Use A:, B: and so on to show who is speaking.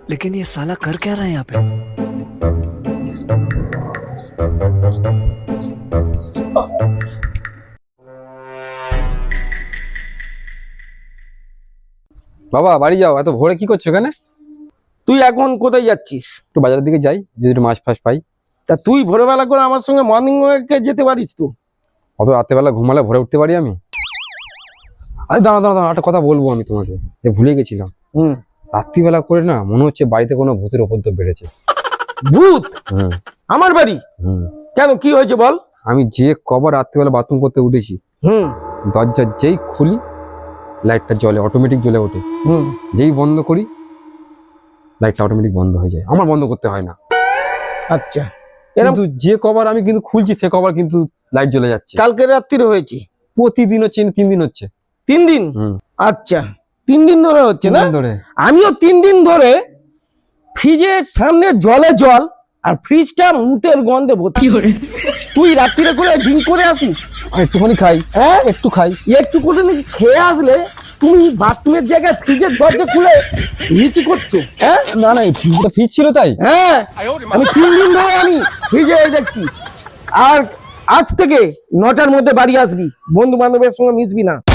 A: लेकिन ये साला कर क्या रहा है यहाँ पे?
B: বাবা বাড়ি যাও, এত ভোরে কি করছো এখানে?
C: তুই এখন কোথায় যাচ্ছিস?
B: একটু বাজারের দিকে যাই, যদি একটু মাছ ফাছ পাই।
C: তা তুই ভোরবেলা করে আমার সঙ্গে মর্নিং ওয়াকে যেতে পারিস তো?
B: অত রাত্রেবেলা ঘুমালে ভোরে উঠতে পারি আমি? আরে দাঁড়া দাঁড়া দাঁড়া, একটা কথা বলবো আমি তোমাকে, ভুলে গেছিলাম। রাত্রিবেলা করে না মনে হচ্ছে বাড়িতে কোনো ভূতের উপদ্রব বেড়েছে।
C: ভূত?
B: হুম
C: আমার বাড়ি?
B: হুম।
C: কেন, কি হয়েছে বল?
B: আমি যে কবার রাত্রিবেলা বাথরুম করতে উঠেছি, দরজা যেই খুলি লাইটটা জ্বলে, অটোমেটিক জ্বলে ওঠে। যেই বন্ধ করি লাইটটা অটোমেটিক বন্ধ হয়ে যায়, আমার বন্ধ করতে হয় না।
C: আচ্ছা,
B: কিন্তু যে কবার আমি কিন্তু খুলছি সে কবার কিন্তু লাইট জ্বলে যাচ্ছে।
C: কালকে রাত্রিরে হয়েছে?
B: প্রতিদিন হচ্ছে, 3 দিন হচ্ছে।
C: 3 দিন? আচ্ছা, 3 দিন ধরে হচ্ছে না?
B: ধরে
C: আমিও 3 দিন ধরে ফ্রিজের সামনে জলে জল আর ফ্রিজটা মুতের গন্ধে ভর্তি। তুই রাত্রিরে করে ড্রিঙ্ক করে আসিস?
B: একটুখানি খাই,
C: হ্যাঁ
B: একটু খাই।
C: একটু করে নাকি খেয়ে আসলে তুমি বাথরুমের জায়গায় ফ্রিজের দরজা খুলে লিচি করছো? হ্যাঁ
B: না না, ফ্রিজ ছিল তাই।
C: হ্যাঁ, আমি 3 দিন ধরে আমি ফ্রিজে দেখছি। আর আজ থেকে 9টার মধ্যে বাড়ি আসবি, বন্ধু বান্ধবের সঙ্গে মিশবি না।